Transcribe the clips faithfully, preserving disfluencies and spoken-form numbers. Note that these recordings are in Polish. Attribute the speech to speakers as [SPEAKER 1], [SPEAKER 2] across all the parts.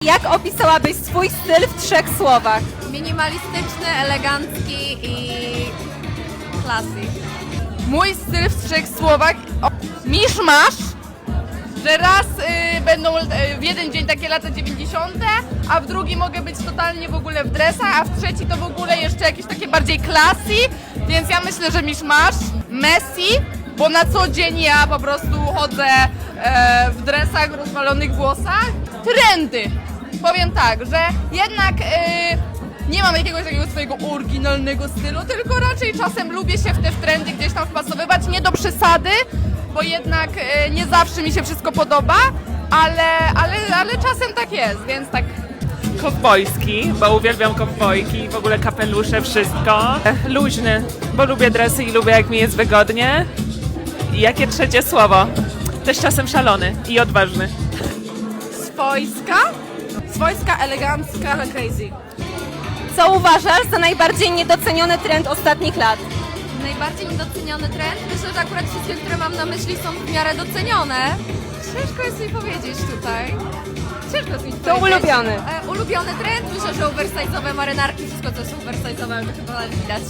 [SPEAKER 1] Jak opisałabyś swój styl w trzech słowach?
[SPEAKER 2] Minimalistyczny, elegancki i classy.
[SPEAKER 3] Mój styl w trzech słowach. O, miszmasz, że raz y, będą y, w jeden dzień takie lata dziewięćdziesiąte, a w drugi mogę być totalnie w ogóle w dresach, a w trzeci to w ogóle jeszcze jakieś takie bardziej classy, więc ja myślę, że miszmasz. Messi, bo na co dzień ja po prostu chodzę e, w dresach, rozwalonych włosach. Trendy. Powiem tak, że jednak y, nie mam jakiegoś takiego swojego oryginalnego stylu, tylko raczej czasem lubię się w te trendy gdzieś tam wpasowywać, nie do przesady, bo jednak y, nie zawsze mi się wszystko podoba, ale, ale, ale czasem tak jest, więc tak.
[SPEAKER 4] Kowbojski, bo uwielbiam kowbojki, w ogóle kapelusze, wszystko. Luźny, bo lubię dresy i lubię jak mi jest wygodnie. I jakie trzecie słowo? Też czasem szalony i odważny.
[SPEAKER 3] Swojska? Swojska, elegancka, crazy.
[SPEAKER 1] Co uważasz za najbardziej niedoceniony trend ostatnich lat?
[SPEAKER 2] Najbardziej niedoceniony trend? Myślę, że akurat wszystkie, które mam na myśli, są w miarę docenione. Ciężko jest mi powiedzieć tutaj. Ciężko jest mi
[SPEAKER 1] To
[SPEAKER 2] powiedzieć.
[SPEAKER 1] ulubiony.
[SPEAKER 2] E, ulubiony trend? Myślę, że oversize'owe marynarki, wszystko co jest oversize'owe, to chyba widać.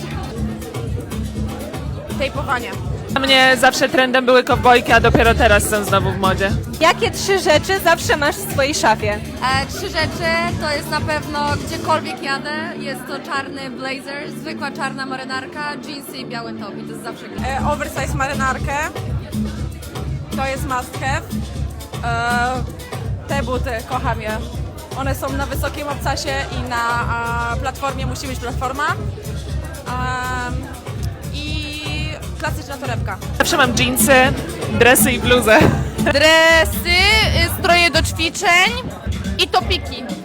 [SPEAKER 3] Tejpowanie.
[SPEAKER 4] Dla mnie zawsze trendem były kowbojki, a dopiero teraz są znowu w modzie.
[SPEAKER 1] Jakie trzy rzeczy zawsze masz w swojej szafie?
[SPEAKER 2] E, trzy rzeczy to jest na pewno gdziekolwiek jadę. Jest to czarny blazer, zwykła czarna marynarka, jeansy i biały top. I to jest zawsze git.
[SPEAKER 3] E, oversize marynarkę. To jest must have. E, te buty, kocham je. One są na wysokim obcasie i na a, platformie musi być platforma. Um, I klasyczna torebka.
[SPEAKER 4] Zawsze mam dżinsy, dresy i bluzę.
[SPEAKER 3] Dresy, y, stroje do ćwiczeń i topiki.